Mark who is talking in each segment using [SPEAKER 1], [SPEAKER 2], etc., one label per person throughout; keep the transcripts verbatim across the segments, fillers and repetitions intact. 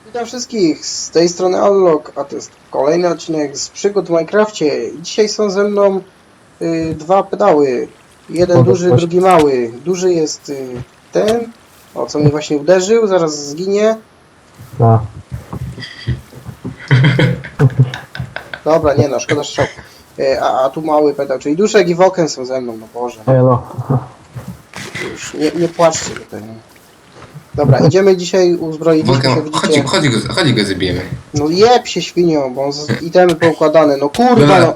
[SPEAKER 1] Witam wszystkich, z tej strony Allok, a to jest kolejny odcinek z przygód w Minecrafcie. I dzisiaj są ze mną y, dwa pedały. Jeden
[SPEAKER 2] Mogę
[SPEAKER 1] duży,
[SPEAKER 2] coś?
[SPEAKER 1] drugi mały. Duży jest y, ten, o co mnie właśnie uderzył, zaraz zginie.
[SPEAKER 2] A,
[SPEAKER 1] Dobra, nie no, szkoda strzał. Y, a, a tu mały pedał, czyli Duszek i Woken są ze mną, no Boże.
[SPEAKER 2] elo.
[SPEAKER 1] Już nie, nie płaczcie tutaj. No. Dobra, idziemy dzisiaj uzbroiliśmy się,
[SPEAKER 3] Wokem, chodź,
[SPEAKER 1] widzicie.
[SPEAKER 3] chodź, go, chodź go zabijemy.
[SPEAKER 1] No jeb się świnią, bo z itemy poukładane, no kurwa no.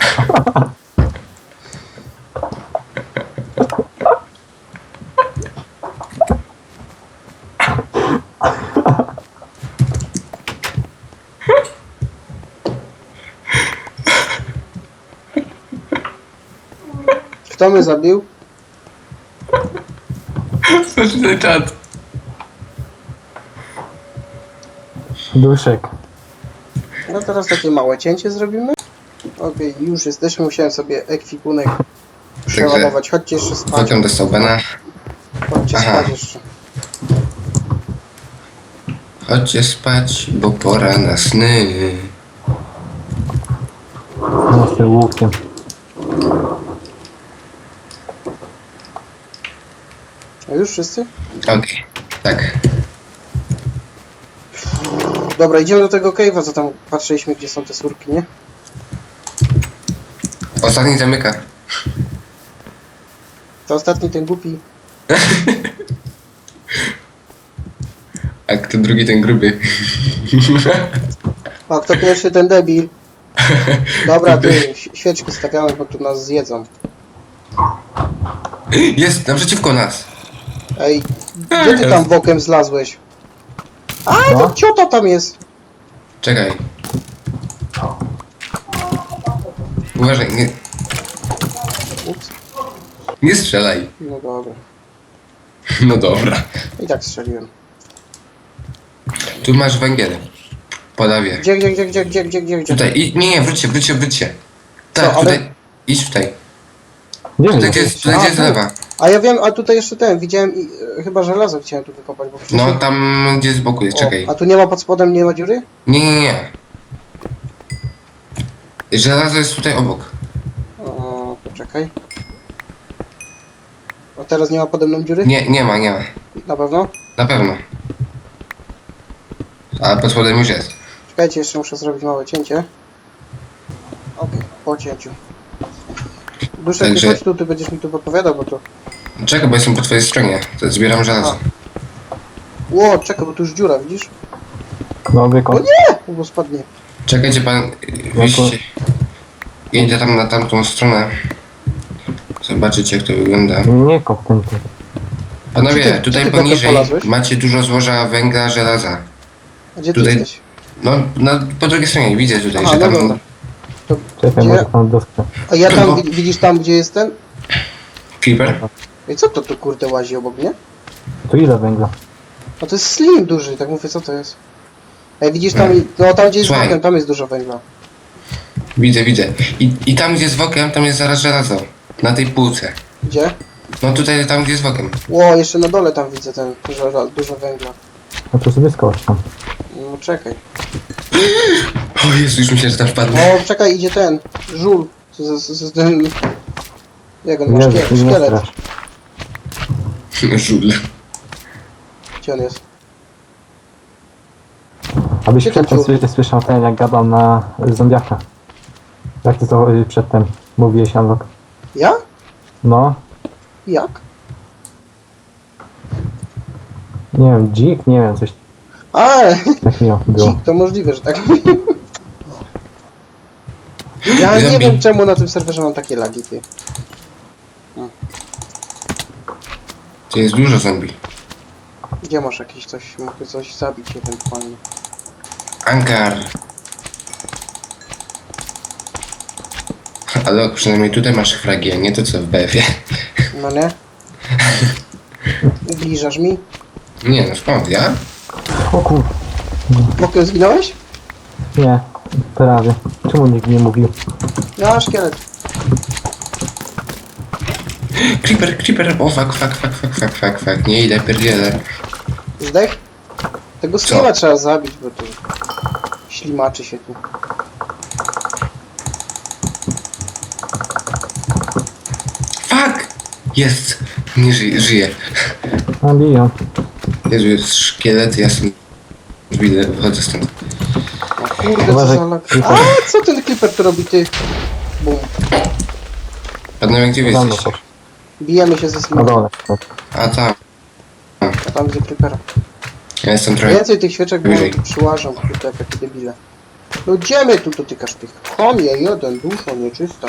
[SPEAKER 1] Kto mnie zabił?
[SPEAKER 3] Patrz na czat.
[SPEAKER 2] Duszek.
[SPEAKER 1] No teraz takie małe cięcie zrobimy. Okej, już jesteśmy, musiałem sobie ekwipunek przeładować. Chodźcie jeszcze spać.
[SPEAKER 3] Wokem dostał bana.
[SPEAKER 1] Chodźcie
[SPEAKER 3] Aha.
[SPEAKER 1] spać jeszcze.
[SPEAKER 3] Chodźcie spać, bo pora na sny.
[SPEAKER 2] No z tym łukiem.
[SPEAKER 1] A już wszyscy?
[SPEAKER 3] Okej, tak.
[SPEAKER 1] Dobra, idziemy do tego cave'a, co tam patrzyliśmy, gdzie są te surki, nie?
[SPEAKER 3] Ostatni zamyka.
[SPEAKER 1] To ostatni ten głupi.
[SPEAKER 3] A kto drugi, ten gruby.
[SPEAKER 1] A kto pierwszy, ten debil. Dobra, ty, ś- świeczki stawiamy, bo tu nas zjedzą.
[SPEAKER 3] Jest naprzeciwko nas.
[SPEAKER 1] Ej, gdzie ty tam bokiem zlazłeś? A, to
[SPEAKER 2] No.
[SPEAKER 1] ciota tam jest.
[SPEAKER 3] Czekaj. Uważaj, nie,
[SPEAKER 1] Ups,
[SPEAKER 3] nie strzelaj.
[SPEAKER 1] no dobra.
[SPEAKER 3] No dobra.
[SPEAKER 1] I tak strzeliłem.
[SPEAKER 3] Tu masz węgiel. Podawię.
[SPEAKER 1] Gdzie, gdzie, gdzie, gdzie, gdzie, gdzie, gdzie, gdzie?
[SPEAKER 3] Tutaj, i, nie, nie, wróćcie, wróćcie, wróćcie. Tak,
[SPEAKER 1] Co, ale-
[SPEAKER 3] tutaj, idź tutaj.
[SPEAKER 2] Nie
[SPEAKER 3] Tutaj
[SPEAKER 2] wiem.
[SPEAKER 3] gdzie jest, tutaj
[SPEAKER 1] A,
[SPEAKER 3] gdzie jest
[SPEAKER 1] tu.
[SPEAKER 3] lewa.
[SPEAKER 1] A ja wiem, a tutaj jeszcze ten, widziałem i e, chyba żelazo chciałem tu wykopać, bo wcześniej...
[SPEAKER 3] No tam gdzie z boku jest, czekaj.
[SPEAKER 1] O, a tu nie ma pod spodem, nie ma dziury?
[SPEAKER 3] Nie, nie, nie. Żelazo jest tutaj obok.
[SPEAKER 1] O, poczekaj. A teraz nie ma pode mną dziury?
[SPEAKER 3] Nie, nie ma, nie ma.
[SPEAKER 1] Na pewno?
[SPEAKER 3] Na pewno. A pod spodem już jest.
[SPEAKER 1] Czekajcie, jeszcze muszę zrobić małe cięcie. Okej, po cięciu. Duszek,
[SPEAKER 3] Także-
[SPEAKER 1] nie chodź tu, ty będziesz mi tu podpowiadał, bo to...
[SPEAKER 3] Czekaj, bo jestem po twojej stronie. To zbieram żelazo.
[SPEAKER 1] Ło, czekaj, bo tu już dziura, widzisz?
[SPEAKER 2] No
[SPEAKER 1] O
[SPEAKER 2] wykop.
[SPEAKER 1] nie! Bo spadnie.
[SPEAKER 3] Czekajcie pan. Wyjście. Idę tam na tamtą stronę. Zobaczycie jak to wygląda.
[SPEAKER 2] Nie kop ten ty.
[SPEAKER 3] Panowie,
[SPEAKER 1] Gdzie ty-
[SPEAKER 3] tutaj
[SPEAKER 1] gdzie ty bokiem
[SPEAKER 3] poniżej
[SPEAKER 1] polazłeś?
[SPEAKER 3] macie dużo złoża węgla, żelaza.
[SPEAKER 1] A gdzie ty
[SPEAKER 3] Tutaj-
[SPEAKER 1] jesteś?
[SPEAKER 3] No, na, po drugiej stronie widzę tutaj,
[SPEAKER 1] Aha,
[SPEAKER 3] że
[SPEAKER 1] no
[SPEAKER 3] tam.
[SPEAKER 1] dobra. To,
[SPEAKER 2] Czekaj,
[SPEAKER 1] gdzie?
[SPEAKER 2] może tam doskę.
[SPEAKER 1] A ja tam,
[SPEAKER 3] No.
[SPEAKER 1] wi- widzisz tam, gdzie jest ten?
[SPEAKER 3] Creeper?
[SPEAKER 1] I co to tu kurde łazi obok mnie?
[SPEAKER 2] Tu ile węgla?
[SPEAKER 1] No to jest slim duży, tak mówię, co to jest? Ej, widzisz tam, i- no tam gdzie jest
[SPEAKER 3] Słuchaj.
[SPEAKER 1] bokiem, tam jest dużo węgla.
[SPEAKER 3] Widzę, widzę. I, I tam gdzie jest wokiem, tam jest zaraz żelazo. Na tej półce.
[SPEAKER 1] Gdzie?
[SPEAKER 3] No tutaj, tam gdzie jest wokiem.
[SPEAKER 1] Ło, jeszcze na dole tam widzę ten, dużo, dużo węgla.
[SPEAKER 2] No to sobie skocz tam.
[SPEAKER 1] No czekaj.
[SPEAKER 3] O Jezu, już myślę, że tam wpadnę.
[SPEAKER 1] O, czekaj, idzie ten, żul. Z, z, z, z ten... Jak on ma
[SPEAKER 2] Jezu, ty
[SPEAKER 1] szkielet?
[SPEAKER 2] nie
[SPEAKER 1] szkielet.
[SPEAKER 2] strasz.
[SPEAKER 3] Żul.
[SPEAKER 1] Gdzie on jest?
[SPEAKER 2] Abyś
[SPEAKER 1] Gdzie ten
[SPEAKER 2] przedtem
[SPEAKER 1] dziób?
[SPEAKER 2] sły- słyszał ten jak gadał na zombiaka. Jak ty to y, przedtem mówiłeś, Anlok?
[SPEAKER 1] Ja?
[SPEAKER 2] No,
[SPEAKER 1] Jak?
[SPEAKER 2] nie wiem, dzik, nie wiem, coś
[SPEAKER 1] A,
[SPEAKER 2] takiego było.
[SPEAKER 1] dzik, to możliwe, że tak. Ja nie
[SPEAKER 3] Zombie.
[SPEAKER 1] wiem czemu na tym serwerze mam takie lagi, ty.
[SPEAKER 3] To jest dużo zombie.
[SPEAKER 1] Gdzie masz jakieś coś, mogę coś zabić ewentualnie.
[SPEAKER 3] Ankar. Ale przynajmniej tutaj masz fragi, a nie to co w B F-ie.
[SPEAKER 1] No nie? Ubliżasz mi?
[SPEAKER 3] Nie no skąd, ja?
[SPEAKER 2] O kur...
[SPEAKER 1] Mokiem zginąłeś?
[SPEAKER 2] Nie, prawie. Czemu nikt nie mówił?
[SPEAKER 1] Ja, szkielet.
[SPEAKER 3] Creeper, creeper, o fuck, fuck, fuck, fuck, fuck, fuck, fuck, nie idę, pierdzielę.
[SPEAKER 1] Zdech? Tego
[SPEAKER 3] Co?
[SPEAKER 1] skilla trzeba zabić, bo to ślimaczy się tu.
[SPEAKER 3] Fuck! Jest! Nie żyje, żyje.
[SPEAKER 2] A biją.
[SPEAKER 3] Jezu, jest szkielet, ja sobie wyjdę, wychodzę stąd.
[SPEAKER 1] O kurde, co
[SPEAKER 2] Uważaj,
[SPEAKER 1] za lag.
[SPEAKER 2] Creeper.
[SPEAKER 1] A, co ten Clipper tu robi, ty? Bum.
[SPEAKER 3] Panowie, gdzie wy
[SPEAKER 2] Tam
[SPEAKER 3] jesteście?
[SPEAKER 2] poszło.
[SPEAKER 1] Bijemy się ze
[SPEAKER 2] Na
[SPEAKER 1] Slimem.
[SPEAKER 2] dole. Tak.
[SPEAKER 3] A tam.
[SPEAKER 1] A tam gdzie Clippera.
[SPEAKER 3] Ja jestem trochę...
[SPEAKER 1] Więcej tych świeczek, bo one
[SPEAKER 3] Wyżej.
[SPEAKER 1] tu przyłażą, kurde, jak takie debile. No gdzie mnie tu dotykasz tych? Chomie, jeden, duszo, nieczysta.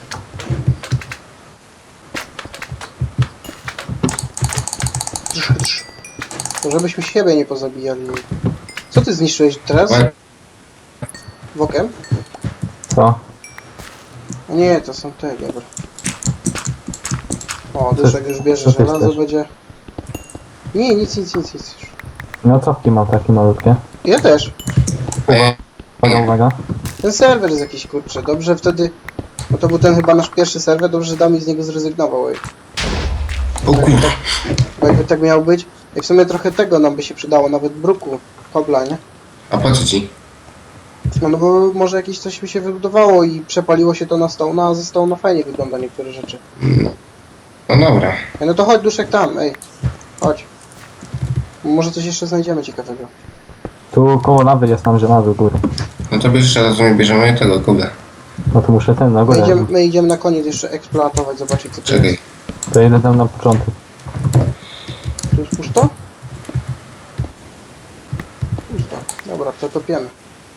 [SPEAKER 1] Drz, drz. To żebyśmy siebie nie pozabijali. Co ty zniszczyłeś teraz?
[SPEAKER 3] Łe-
[SPEAKER 1] Wokiem?
[SPEAKER 2] Co?
[SPEAKER 1] A nie, to są te, dobra. O, duszek już bierze
[SPEAKER 2] co ty
[SPEAKER 1] żelazo,
[SPEAKER 2] chcesz?
[SPEAKER 1] będzie... Nie, nic, nic, nic, nic.
[SPEAKER 2] No cofki mam takie malutkie.
[SPEAKER 1] Ja też.
[SPEAKER 3] E,
[SPEAKER 2] Uwaga, uwaga.
[SPEAKER 1] Ten serwer jest jakiś kurczę, dobrze wtedy... No to był ten chyba nasz pierwszy serwer, dobrze, że Dami z niego zrezygnował. Ej.
[SPEAKER 3] O kurwa.
[SPEAKER 1] Bo jakby tak miało być, i w sumie trochę tego nam by się przydało, nawet bruku, kobla, nie?
[SPEAKER 3] A po co ci?
[SPEAKER 1] No, no bo może jakieś coś by się wybudowało i przepaliło się to na stołna, a ze stołna fajnie wygląda niektóre rzeczy.
[SPEAKER 3] No, no dobra.
[SPEAKER 1] Ej, no to chodź duszek tam, ej. Chodź. Może coś jeszcze znajdziemy ciekawego.
[SPEAKER 2] Tu koło lawy jest tam żelazo u góry.
[SPEAKER 3] No to bierzesz, teraz my bierzemy tego kubę.
[SPEAKER 2] No to muszę ten na
[SPEAKER 1] My
[SPEAKER 2] górę.
[SPEAKER 1] idziemy, my idziemy na koniec jeszcze eksploatować, zobaczyć co to
[SPEAKER 3] Czekaj.
[SPEAKER 1] jest.
[SPEAKER 2] To jedę tam na początek.
[SPEAKER 1] Tu jest pusto? Pusto. Dobra, to topiemy.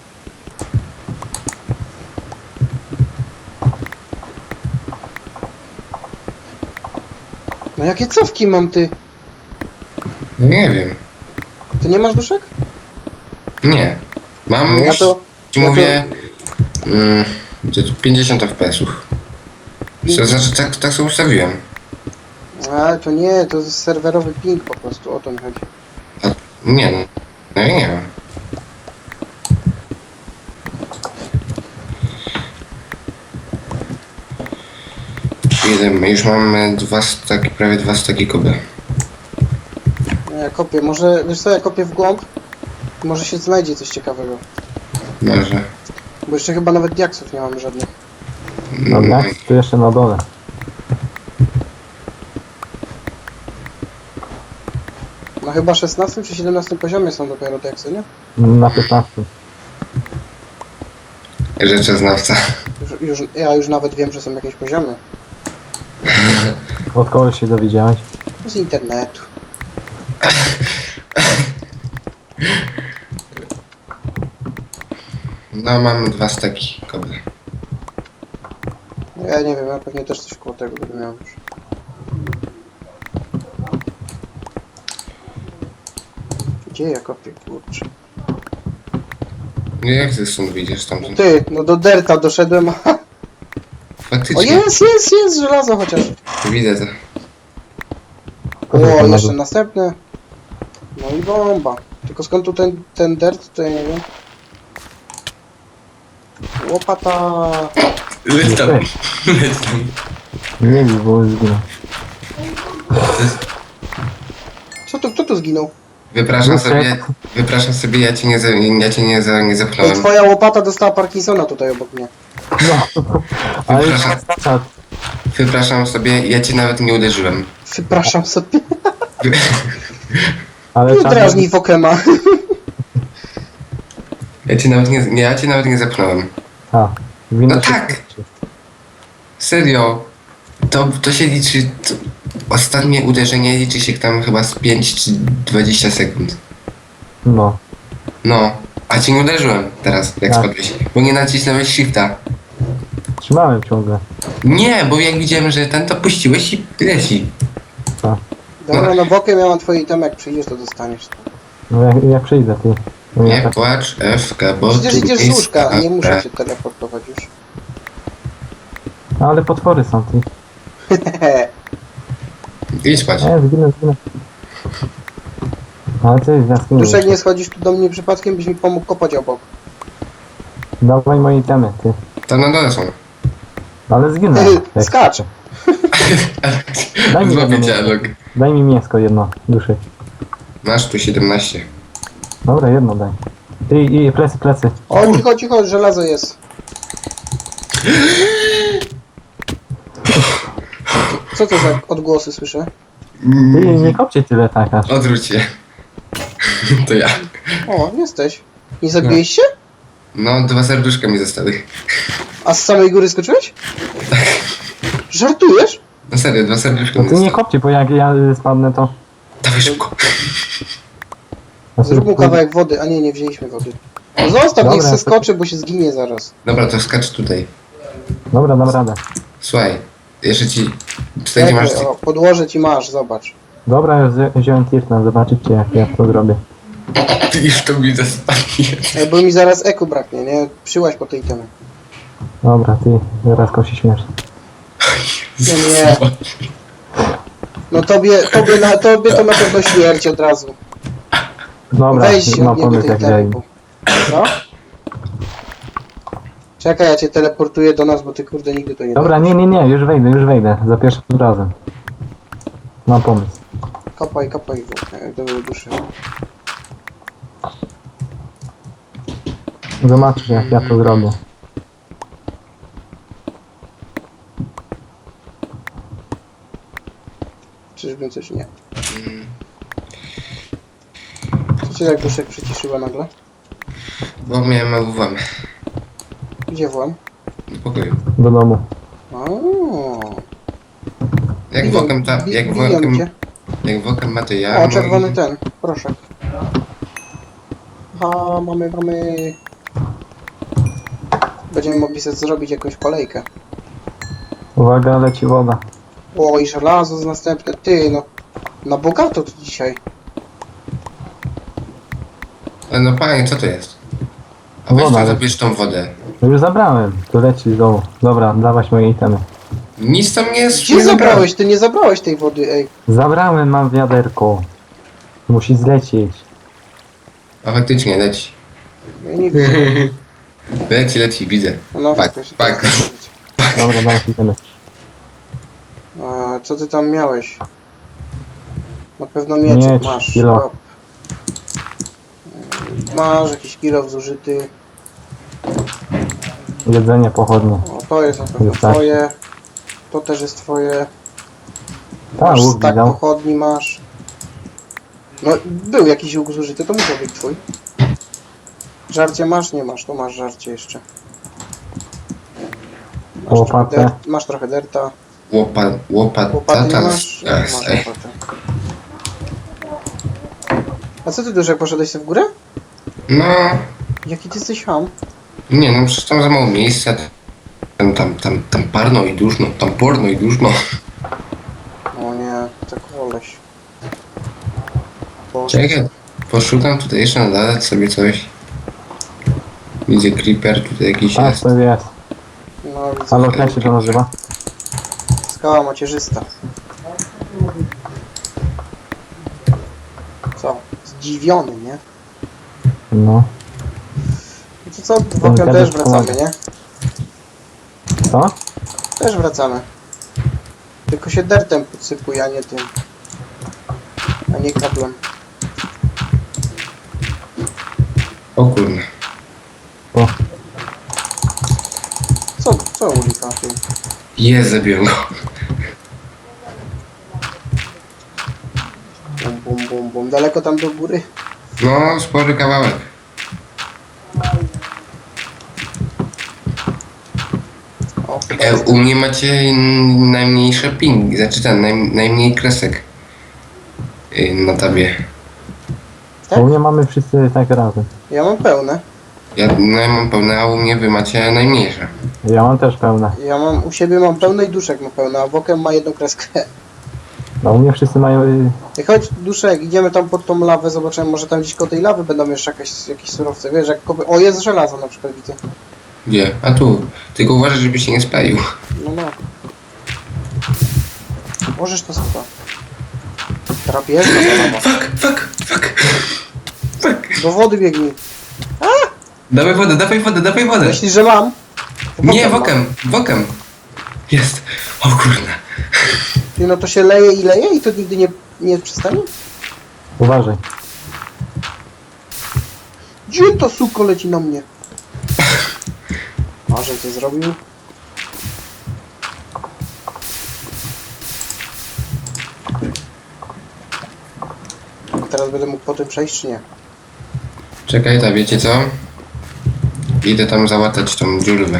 [SPEAKER 1] No jakie cofki mam ty?
[SPEAKER 3] No nie wiem.
[SPEAKER 1] Ty nie masz duszek?
[SPEAKER 3] Nie. Mam
[SPEAKER 1] Ja
[SPEAKER 3] już,
[SPEAKER 1] to...
[SPEAKER 3] ci
[SPEAKER 1] ja to-
[SPEAKER 3] mówię... Mm, gdzie tu pięćdziesiąt F P S-ów. Co, znaczy, tak, tak sobie ustawiłem.
[SPEAKER 1] A, to nie, to jest serwerowy ping po prostu, o to mi chodzi.
[SPEAKER 3] Nie no. No ja nie wiem. Jedziemy, już mamy dwa staki, prawie dwa staki kuby.
[SPEAKER 1] No ja kopię, może, wiesz co, ja kopię w głąb? Może się znajdzie coś ciekawego.
[SPEAKER 3] Może.
[SPEAKER 1] Bo jeszcze chyba nawet diaksów nie mamy żadnych.
[SPEAKER 2] Dobra, tu jeszcze na dole.
[SPEAKER 1] No chyba szesnastym czy siedemnastym poziomie są dopiero diaksy, nie?
[SPEAKER 2] Na piętnastym.
[SPEAKER 3] Rzeczoznawca.
[SPEAKER 1] Już, już, ja już nawet wiem, że są jakieś poziomy.
[SPEAKER 2] Od kogoś się dowiedziałeś?
[SPEAKER 1] Z internetu.
[SPEAKER 3] No mamy dwa staki kuby.
[SPEAKER 1] Ja nie wiem, ja pewnie też coś koło tego będę miał już. Gdzie ja kopię, kurczę?
[SPEAKER 3] Nie, jak ty stąd wyjdziesz
[SPEAKER 1] No
[SPEAKER 3] stamtąd?
[SPEAKER 1] ty, no do derta doszedłem. O
[SPEAKER 3] Faktycznie.
[SPEAKER 1] jest, jest, jest żelazo chociaż.
[SPEAKER 3] Widzę to.
[SPEAKER 1] O, jeszcze następne. No i bomba. Tylko skąd tu ten, ten dirt, to ja nie wiem. Łopata.
[SPEAKER 3] Leć tam.
[SPEAKER 2] Okej.
[SPEAKER 3] Leć tam.
[SPEAKER 2] Nie wiem, bo zginął.
[SPEAKER 1] Co tu, kto tu zginął?
[SPEAKER 3] Wypraszam
[SPEAKER 2] Lecie.
[SPEAKER 3] sobie, wypraszam sobie, ja cię nie, za, ja cię nie, za, nie
[SPEAKER 1] Ej,
[SPEAKER 3] zepchnąłem.
[SPEAKER 1] twoja łopata dostała Parkinsona tutaj obok mnie.
[SPEAKER 2] No. Ale już
[SPEAKER 3] Przepraszam.
[SPEAKER 2] jest czas.
[SPEAKER 3] Wypraszam sobie, ja cię nawet nie uderzyłem.
[SPEAKER 1] Przepraszam sobie.
[SPEAKER 2] Ale
[SPEAKER 1] Nie
[SPEAKER 2] czas.
[SPEAKER 1] drażnij Wokema.
[SPEAKER 3] Ja cię nawet nie, nie, ja cię nawet nie zepchnąłem.
[SPEAKER 2] A, winno
[SPEAKER 3] No
[SPEAKER 2] się
[SPEAKER 3] tak.
[SPEAKER 2] skończy.
[SPEAKER 3] Serio. To, to się liczy, to ostatnie uderzenie liczy się tam chyba z pięć czy dwadzieścia sekund.
[SPEAKER 2] No.
[SPEAKER 3] No, a cię nie uderzyłem teraz, jak
[SPEAKER 2] Tak.
[SPEAKER 3] spadłeś, bo nie nacisnąłeś shifta.
[SPEAKER 2] Trzymałem ciągle.
[SPEAKER 3] Nie, bo jak widziałem, że ten, to puściłeś i leci.
[SPEAKER 1] Dobra, no Wokiem ja mam twoje itemy, jak przyjdziesz to dostaniesz.
[SPEAKER 2] No jak, jak przyjdę, ty. No ja
[SPEAKER 3] Nie
[SPEAKER 2] tak,
[SPEAKER 3] płacz, F K, bo
[SPEAKER 1] Przecież
[SPEAKER 3] tu
[SPEAKER 1] idziesz z
[SPEAKER 3] jest
[SPEAKER 1] łóżka, nie muszę
[SPEAKER 3] kara.
[SPEAKER 1] cię teleportować już.
[SPEAKER 2] no, ale potwory są, ty.
[SPEAKER 3] Idź spać.
[SPEAKER 2] Nie, zginę, zginę. Ale ty, ja zginę.
[SPEAKER 1] Duszek, nie schodzisz tu do mnie przypadkiem, byś mi pomógł kopać obok.
[SPEAKER 2] Dawaj moje itemy, ty.
[SPEAKER 3] Tam na dole są.
[SPEAKER 2] Ale zginę.
[SPEAKER 1] Ej,
[SPEAKER 2] Jak-
[SPEAKER 1] skacz!
[SPEAKER 2] Daj mi
[SPEAKER 3] Złapię
[SPEAKER 2] jedno
[SPEAKER 3] cię,
[SPEAKER 2] mięsko.
[SPEAKER 3] Alok.
[SPEAKER 2] Daj mi mięsko jedno, duszy.
[SPEAKER 3] Masz tu siedemnaście.
[SPEAKER 2] Dobra, jedno daj. Ty, i plecy, plecy.
[SPEAKER 1] O, cicho, cicho, żelazo jest. Co to za odgłosy słyszę?
[SPEAKER 2] Ty, nie kopcie tyle tak aż.
[SPEAKER 3] Odwróć się. To ja.
[SPEAKER 1] O, jesteś. Nie zabiłeś się?
[SPEAKER 3] No, dwa serduszka mi zostały.
[SPEAKER 1] A z samej góry skoczyłeś? Żartujesz?
[SPEAKER 3] No serio, dwa serduszka
[SPEAKER 2] No
[SPEAKER 3] mi
[SPEAKER 2] ty nie
[SPEAKER 3] zostały.
[SPEAKER 2] kopcie, bo jak ja y, spadnę to...
[SPEAKER 3] Dawaj szybko.
[SPEAKER 2] Ja
[SPEAKER 1] Zrób mu
[SPEAKER 2] sobie-
[SPEAKER 1] kawałek wody. A nie, nie wzięliśmy wody. No zostaw, niech
[SPEAKER 2] Dobra,
[SPEAKER 1] se
[SPEAKER 2] to-
[SPEAKER 1] skoczy, bo się zginie zaraz.
[SPEAKER 3] Dobra, to skacz tutaj.
[SPEAKER 2] Dobra, dam radę.
[SPEAKER 3] Słuchaj, jeszcze ci... Tutaj gdzie
[SPEAKER 1] Czekaj,
[SPEAKER 3] masz...
[SPEAKER 1] o, podłoże ci masz, zobacz.
[SPEAKER 2] Dobra, ja wzi- wziąłem tirtna, zobaczycie jak ja to zrobię.
[SPEAKER 3] Ty już to mi zostanie.
[SPEAKER 1] Ej, bo mi zaraz eku braknie, nie? Przyłaź po tej temy.
[SPEAKER 2] Dobra, ty, zaraz kosi śmierć.
[SPEAKER 1] Nie, nie. No tobie, tobie, na, tobie to na pewno śmierć od razu.
[SPEAKER 2] Dobra,
[SPEAKER 1] Weź się
[SPEAKER 2] mam
[SPEAKER 1] od niego
[SPEAKER 2] pomysł
[SPEAKER 1] tej
[SPEAKER 2] jak
[SPEAKER 1] temy.
[SPEAKER 2] daj.
[SPEAKER 1] bo- Co? Czekaj, ja cię teleportuję do nas, bo ty kurde nigdy to nie
[SPEAKER 2] Dobra, nie, nie, nie, już wejdę, już wejdę. Za pierwszym razem. Mam pomysł.
[SPEAKER 1] Kopaj, kopaj w do duszy.
[SPEAKER 2] Zobaczcie jak ja to zrobię.
[SPEAKER 1] Czyżby coś nie. Co cię tak duszek przyciszyła nagle?
[SPEAKER 3] Bo miałem mały włam.
[SPEAKER 1] Gdzie włam?
[SPEAKER 3] Do pokoju.
[SPEAKER 2] Do domu.
[SPEAKER 1] Ooo.
[SPEAKER 3] Jak wokem ta... Jak wokem...
[SPEAKER 1] cię.
[SPEAKER 3] Jak wokem ma to ja...
[SPEAKER 1] O,
[SPEAKER 3] no
[SPEAKER 1] czerwony
[SPEAKER 3] i-
[SPEAKER 1] ten, proszę. A, mamy, mamy... Będziemy mogli sobie zrobić jakąś kolejkę.
[SPEAKER 2] Uwaga, leci woda.
[SPEAKER 1] O, i żelazo z następne. Ty, no. Na bogato to dzisiaj.
[SPEAKER 3] Ale no panie, co to jest? A weź
[SPEAKER 2] Woda,
[SPEAKER 3] to
[SPEAKER 2] ale-
[SPEAKER 3] zabierz tą wodę.
[SPEAKER 2] No już zabrałem, to leci z domu. Dobra, dawać moje itemy.
[SPEAKER 3] Nic tam nie jest.
[SPEAKER 1] Gdzie
[SPEAKER 3] nie
[SPEAKER 1] zabrałeś? Ty nie zabrałeś tej wody, ej.
[SPEAKER 2] Zabrałem, mam wiaderko. Musi zlecieć.
[SPEAKER 3] A faktycznie, leci.
[SPEAKER 1] Ja nie widzę.
[SPEAKER 3] Leci, leci, widzę.
[SPEAKER 1] No,
[SPEAKER 3] Pak,
[SPEAKER 1] jakoś-
[SPEAKER 3] pak.
[SPEAKER 2] Dobra, dawać itemy.
[SPEAKER 1] A, co ty tam miałeś? Na pewno mieczek
[SPEAKER 2] Miecz,
[SPEAKER 1] masz.
[SPEAKER 2] kilo.
[SPEAKER 1] Hop. Masz jakiś kilo zużyty.
[SPEAKER 2] Jedzenie, pochodnie.
[SPEAKER 1] O, to jest na pewno
[SPEAKER 2] Już tak.
[SPEAKER 1] twoje. To też jest twoje.
[SPEAKER 2] Ta,
[SPEAKER 1] Masz
[SPEAKER 2] łuk
[SPEAKER 1] stak
[SPEAKER 2] widał.
[SPEAKER 1] pochodni masz. No, był jakiś łuk zużyty, to musiał być twój. Żarcie masz? Nie masz, to masz żarcie jeszcze. Masz
[SPEAKER 2] Łopatę.
[SPEAKER 1] trochę, der- masz trochę derta.
[SPEAKER 3] Łopa, łopata,
[SPEAKER 1] Łopaty nie
[SPEAKER 3] ta,
[SPEAKER 1] masz? Nie,
[SPEAKER 3] jas,
[SPEAKER 1] masz
[SPEAKER 3] ej.
[SPEAKER 1] łopatę. A co ty, Duszek, poszedłeś sobie w górę?
[SPEAKER 3] No,
[SPEAKER 1] Jaki ty jesteś ham?
[SPEAKER 3] nie no, przecież tam za mało miejsca. Tam, tam, tam, tam parno i duszno, tam porno i duszno.
[SPEAKER 1] O nie, tak koleś. Boże.
[SPEAKER 3] Czekaj, poszukam tutaj jeszcze nadać sobie coś. Widzę creeper tutaj jakiś
[SPEAKER 2] A,
[SPEAKER 3] jest.
[SPEAKER 2] to jest.
[SPEAKER 1] No, widzę.
[SPEAKER 2] Halo, jak się to nazywa?
[SPEAKER 1] Skała macierzysta. Co? Zdziwiony, nie?
[SPEAKER 2] No.
[SPEAKER 1] No to co? Wokiem
[SPEAKER 2] Ten
[SPEAKER 1] też
[SPEAKER 2] kadek
[SPEAKER 1] wracamy,
[SPEAKER 2] pomaga.
[SPEAKER 1] nie?
[SPEAKER 2] Co?
[SPEAKER 1] Też wracamy. Tylko się dertem podsypuje, a nie tym. A nie kablem.
[SPEAKER 3] O kurna.
[SPEAKER 2] O,
[SPEAKER 1] Co? Co ulika ty?
[SPEAKER 3] Jest, zabiłem go.
[SPEAKER 1] Bum, bum, bum, bum. Daleko tam do góry?
[SPEAKER 3] No, spory kawałek.
[SPEAKER 1] O,
[SPEAKER 3] E, u mnie macie najmniejsze ping, znaczy ten, naj, najmniej kresek. Y, Na tabie.
[SPEAKER 1] Tak?
[SPEAKER 2] u mnie mamy wszyscy tak razem.
[SPEAKER 1] ja mam pełne.
[SPEAKER 3] Ja, no, ja mam pełne, a u mnie wy macie najmniejsze.
[SPEAKER 2] Ja mam też pełne.
[SPEAKER 1] Ja mam, u siebie mam pełne i Duszek ma pełne, a Wokem ma jedną kreskę.
[SPEAKER 2] No u mnie wszyscy mają... y,
[SPEAKER 1] I chodź, Duszek, idziemy tam pod tą lawę, zobaczymy, może tam gdzieś koło tej lawy będą jeszcze jakieś, jakieś surowce, wiesz, jak kopy... O, jest żelazo na przykład, widzę.
[SPEAKER 3] Gdzie? A tu. Tylko uważaj, żeby się nie spalił.
[SPEAKER 1] No, no. Możesz to chyba. Drapieżna ta lawa.
[SPEAKER 3] Fuck, fuck, fuck. Fuck.
[SPEAKER 1] Do wody biegnij.
[SPEAKER 3] Dawaj wodę, dawaj wodę, dawaj wodę.
[SPEAKER 1] Myślisz, że mam? To
[SPEAKER 3] Nie,
[SPEAKER 1] mam.
[SPEAKER 3] wokem, wokem. Jest. O kurna.
[SPEAKER 1] Ty, no to się leje i leje i to nigdy nie, nie przestanie?
[SPEAKER 2] Uważaj.
[SPEAKER 1] Gdzie to suko leci na mnie? A, że to zrobił? Teraz będę mógł po tym przejść, czy nie?
[SPEAKER 3] Czekaj, ta wiecie co? Idę tam załatać tą dziurwę.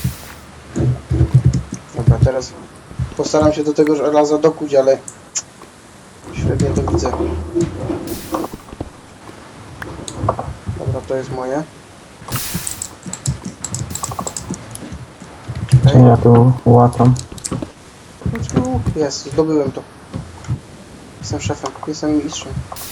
[SPEAKER 1] Dobra, teraz postaram się do tego żelaza dokuć, ale średnio to widzę. Dobra, to jest moje.
[SPEAKER 2] Czy ja tu łatam?
[SPEAKER 1] Znaczy, jest, zdobyłem to. Jestem szefem, jestem mistrzem.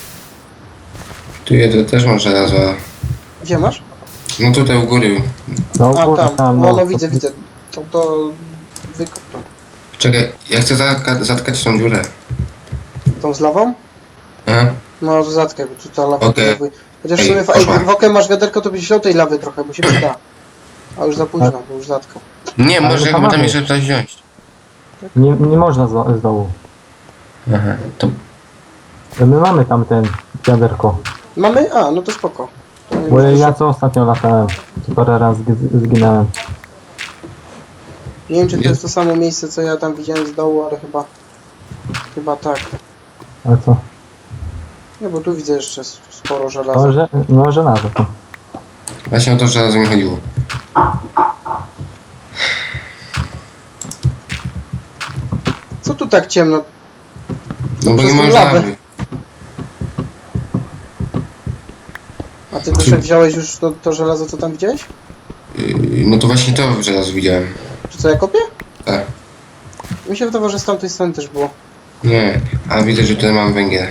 [SPEAKER 3] Tu jedę, też mam żelazo.
[SPEAKER 1] Gdzie masz?
[SPEAKER 3] No tutaj u góry.
[SPEAKER 2] No,
[SPEAKER 1] A,
[SPEAKER 2] kurde,
[SPEAKER 1] tam,
[SPEAKER 2] tam,
[SPEAKER 1] no, no widzę, widzę. To, to wykop to.
[SPEAKER 3] Czekaj, ja chcę zatka zatkać tą dziurę.
[SPEAKER 1] Tą z lawą?
[SPEAKER 3] Aha.
[SPEAKER 1] No, zatkaj, bo tu ta lawa
[SPEAKER 3] Okej.
[SPEAKER 1] okay. Chociaż w
[SPEAKER 3] Ej,
[SPEAKER 1] sumie, fa-
[SPEAKER 3] koszmar.
[SPEAKER 1] ej, w okiem masz wiaderko, to byś wziął tej lawy trochę, bo się przyda. A już za późno, bo już zatkał.
[SPEAKER 3] Nie,
[SPEAKER 2] Ale
[SPEAKER 3] może
[SPEAKER 2] to
[SPEAKER 3] chyba tam
[SPEAKER 2] mamy.
[SPEAKER 3] jeszcze coś wziąć.
[SPEAKER 2] Nie, nie można z, z dołu.
[SPEAKER 3] Aha, to
[SPEAKER 2] My mamy tam ten wiaderko.
[SPEAKER 1] Mamy? A, no to spoko. To nie
[SPEAKER 2] Bo
[SPEAKER 1] ma-
[SPEAKER 2] ja co ostatnio latałem? Co parę razy zg- zginąłem.
[SPEAKER 1] Nie wiem, czy to jest to samo miejsce, co ja tam widziałem z dołu, ale chyba... Chyba tak.
[SPEAKER 2] Ale co?
[SPEAKER 1] No bo tu widzę jeszcze s- sporo żelaza.
[SPEAKER 2] No, że, no żelazo to.
[SPEAKER 3] właśnie o to żelazo mi chodziło.
[SPEAKER 1] Co tu tak ciemno?
[SPEAKER 3] No bo
[SPEAKER 1] Przez
[SPEAKER 3] nie
[SPEAKER 1] tą
[SPEAKER 3] możesz
[SPEAKER 1] lawę.
[SPEAKER 3] lawy.
[SPEAKER 1] A ty Duszek wziąłeś już to, to żelazo, co tam widziałeś?
[SPEAKER 3] Yy, No to właśnie to żelazo widziałem.
[SPEAKER 1] Czy co ja kopię?
[SPEAKER 3] Tak.
[SPEAKER 1] Mi się wydawało, że z tamtej strony też było.
[SPEAKER 3] Nie, a widzę, że tutaj mam węgiel.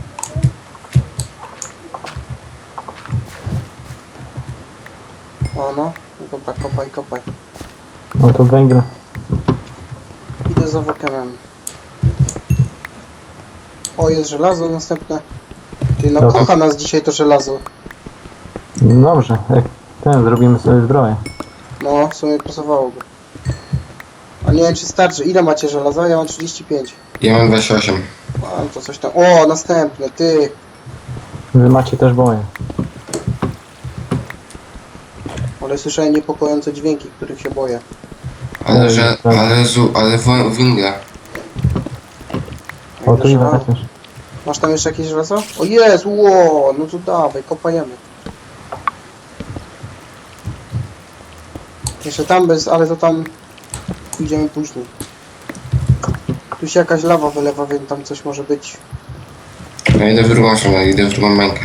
[SPEAKER 1] O no, no dobra, kopaj, kopaj.
[SPEAKER 2] No to węgiel.
[SPEAKER 1] Idę za wokemem. O, jest żelazo następne. Ty, no
[SPEAKER 2] Dobra.
[SPEAKER 1] kocha nas dzisiaj to żelazo.
[SPEAKER 2] Dobrze, jak ten zrobimy sobie zbroję.
[SPEAKER 1] No, w sumie pasowałoby. A nie wiem, czy starczy. Ile macie żelaza? Ja mam trzydzieści pięć.
[SPEAKER 3] Ja mam dwadzieścia osiem.
[SPEAKER 1] Mam to coś tam. O, następne, ty.
[SPEAKER 2] Wy macie też boję.
[SPEAKER 1] Ale słyszałem niepokojące dźwięki, których się boję.
[SPEAKER 3] Ale
[SPEAKER 2] Oj,
[SPEAKER 3] że,
[SPEAKER 2] tak.
[SPEAKER 3] ale zu, ale wo- węgla.
[SPEAKER 2] O, tu ile
[SPEAKER 1] Żelazo.
[SPEAKER 2] też.
[SPEAKER 1] Masz tam jeszcze jakieś żelazo? O jest, ło, no to dawaj, kopajemy. Jeszcze tam bez, ale to tam idziemy później. Tu się jakaś lawa wylewa, więc tam coś może być.
[SPEAKER 3] Ja idę w drugą stronę, idę w drugą bańkę.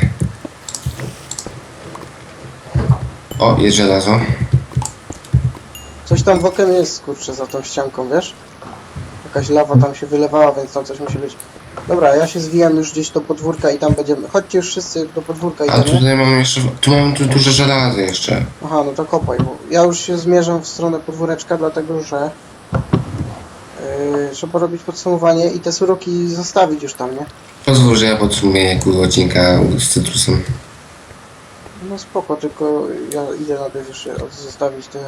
[SPEAKER 3] O, jest żelazo.
[SPEAKER 1] Coś tam w okiem jest, kurczę, za tą ścianką, wiesz? Jakaś lawa tam się wylewała, więc tam coś musi być. Dobra, ja się zwijam już gdzieś do podwórka i tam będziemy. Chodźcie już wszyscy do podwórka
[SPEAKER 3] A
[SPEAKER 1] idziemy.
[SPEAKER 3] tutaj mam jeszcze, tu mam tu duże żelazo jeszcze.
[SPEAKER 1] Aha, no to kopaj, bo ja już się zmierzam w stronę podwóreczka, dlatego że yy, trzeba robić podsumowanie i te suroki zostawić już tam, nie?
[SPEAKER 3] Pozwól, że ja podsumuję pół odcinka z cytrusem.
[SPEAKER 1] No spoko, tylko ja idę najpierw jeszcze od- zostawić te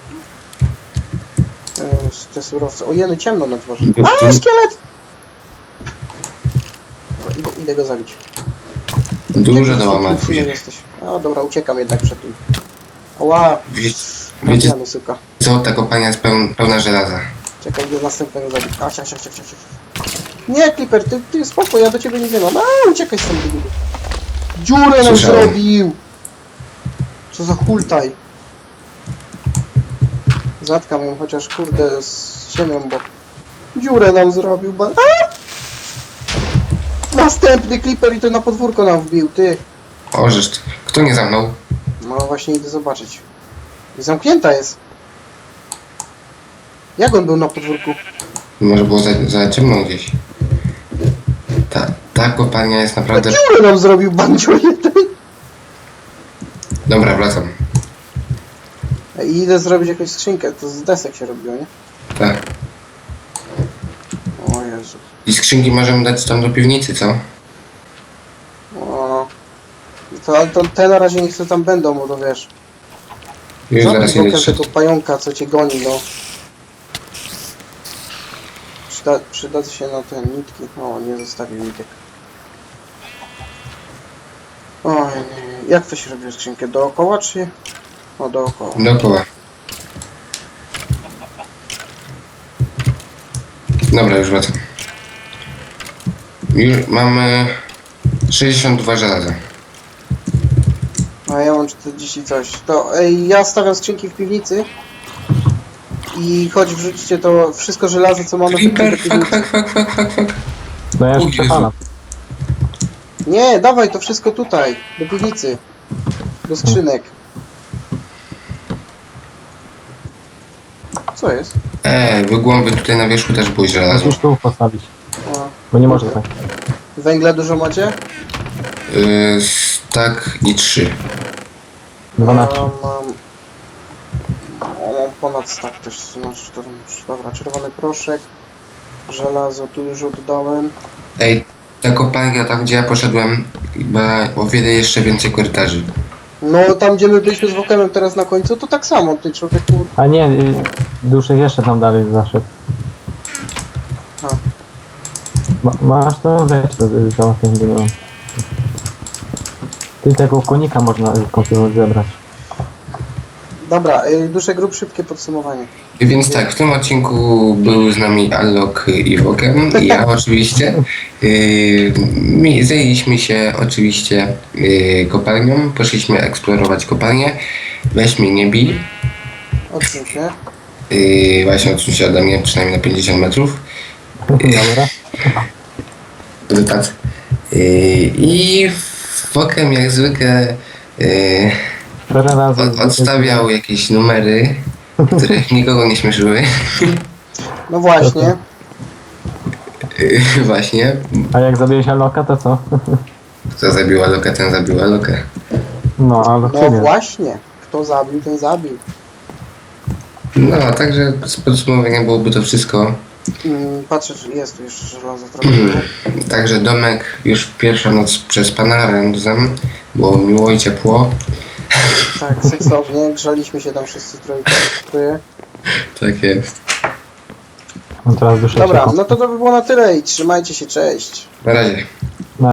[SPEAKER 1] yy, te surowce. O jeny, ciemno na dworze. A, szkielet! Dobra, idę, idę go zabić.
[SPEAKER 3] Duże
[SPEAKER 1] Jaki
[SPEAKER 3] do łamania.
[SPEAKER 1] cudny jesteś. A dobra, uciekam jednak przed tym. Oła,
[SPEAKER 3] Wie, wiecie
[SPEAKER 1] trafiamy, suka.
[SPEAKER 3] co, ta kopalnia jest pełn, pełna żelaza.
[SPEAKER 1] Czekaj, do następnego zabić. A, ciach, ciach, ciach, ciach, ciach. Nie, Clipper, ty, ty spoko, ja do ciebie nie wiem. A, uciekaj stąd, dygu. Dziurę nam
[SPEAKER 3] Słyszałem.
[SPEAKER 1] zrobił! Co za hultaj. Zatkam ją, chociaż kurde z ziemią, bo dziurę nam zrobił, ba... A! Następny Clipper i to na podwórko nam wbił, ty.
[SPEAKER 3] O, żeż, ty. Kto nie zamknął?
[SPEAKER 1] No właśnie idę zobaczyć. I zamknięta jest. Jak on był na podwórku?
[SPEAKER 3] Może było za, za ciemno gdzieś. Ta, ta kopalnia jest naprawdę...
[SPEAKER 1] Dziurę nam zrobił, bandzior jeden.
[SPEAKER 3] Dobra, wracam.
[SPEAKER 1] I idę zrobić jakąś skrzynkę, to z desek się robiło, nie?
[SPEAKER 3] Tak.
[SPEAKER 1] O Jezu.
[SPEAKER 3] I skrzynki możemy dać tam do piwnicy, co?
[SPEAKER 1] O. To, ale to te na razie niech co tam będą, bo to wiesz.
[SPEAKER 3] Już zaraz
[SPEAKER 1] Zabij
[SPEAKER 3] idę
[SPEAKER 1] bokiem
[SPEAKER 3] szedł.
[SPEAKER 1] tego pająka, co cię goni, no. Przyda, przyda się na te nitki. O, nie zostawił nitek. Oj, nie, nie, Jak to się robi skrzynkę? Dookoła czy... O, dookoła.
[SPEAKER 3] Dookoła. Dobra, już wracam. Już mamy sześćdziesiąt dwa żelaza.
[SPEAKER 1] A ja mam czterdzieści coś. To ej, ja stawiam skrzynki w piwnicy. I choć wrzućcie to wszystko żelazo, co mamy, wrzućcie
[SPEAKER 3] Creeper,
[SPEAKER 1] do
[SPEAKER 3] fuck,
[SPEAKER 1] piwnicy.
[SPEAKER 3] fuck, fuck, fuck, fuck, fuck.
[SPEAKER 2] No ja
[SPEAKER 3] O
[SPEAKER 2] już
[SPEAKER 3] Jezu.
[SPEAKER 2] przepalam.
[SPEAKER 1] Nie, dawaj to wszystko tutaj, do piwnicy. Do skrzynek. Co jest?
[SPEAKER 3] Eee, wygłąby tutaj na wierzchu też było żelazo.
[SPEAKER 2] Musisz tu postawić,
[SPEAKER 1] O,
[SPEAKER 2] bo nie może tak.
[SPEAKER 1] węgla dużo macie?
[SPEAKER 3] Yy, tak i trzy.
[SPEAKER 2] dwanaście.
[SPEAKER 1] Ja mam... O, mam ponad stak też. Znaczy, to, dobra, czerwony proszek. Żelazo tu już oddałem.
[SPEAKER 3] Ej, ta kopalnia tam gdzie ja poszedłem ma o wiele jeszcze więcej korytarzy.
[SPEAKER 1] No tam gdzie my byliśmy z Wokemem teraz na końcu, to tak samo, ty człowieku.
[SPEAKER 2] A nie, y, Duszek jeszcze tam dalej zaszedł.
[SPEAKER 1] A.
[SPEAKER 2] Ma, masz to? Weź to y, załatwię, nie mam. Ty tego konika można y, kontynuować zebrać.
[SPEAKER 1] Dobra, y, Duszek, rób szybkie podsumowanie.
[SPEAKER 3] Więc tak, w tym odcinku był z nami Allok i Wokem i ja oczywiście. Yy, mi- zajęliśmy się oczywiście yy, kopalnią, poszliśmy eksplorować kopalnię. Weź mnie nie bij,
[SPEAKER 1] Odsuń się.
[SPEAKER 3] yy, właśnie odsuń się ode mnie przynajmniej na pięćdziesiąt metrów.
[SPEAKER 2] Dobra.
[SPEAKER 3] Wypad. Yy, I Wokem jak zwykle yy,
[SPEAKER 2] Parę razy.
[SPEAKER 3] od, odstawiał jakieś numery, które nikogo nie śmieszyły.
[SPEAKER 1] No właśnie.
[SPEAKER 3] Yy, właśnie.
[SPEAKER 2] A jak zabiłeś Aloka, to co?
[SPEAKER 3] Kto zabił Alloka, ten zabił Alloka.
[SPEAKER 2] No, Alok
[SPEAKER 1] No
[SPEAKER 2] ciebie.
[SPEAKER 1] właśnie. Kto zabił, ten zabił.
[SPEAKER 3] No, także z podsumowania byłoby to wszystko.
[SPEAKER 1] Mm, patrzę, czy jest tu jeszcze żelazo trochę.
[SPEAKER 3] Także domek już pierwsza noc przespana razem. Było miło i ciepło.
[SPEAKER 1] Tak, seksownie. Grzaliśmy się tam wszyscy trójkę. trójkę.
[SPEAKER 3] Tak jest.
[SPEAKER 2] No teraz Duszek
[SPEAKER 1] Dobra,
[SPEAKER 2] się...
[SPEAKER 1] no to to by było na tyle i trzymajcie się, cześć.
[SPEAKER 3] Na razie.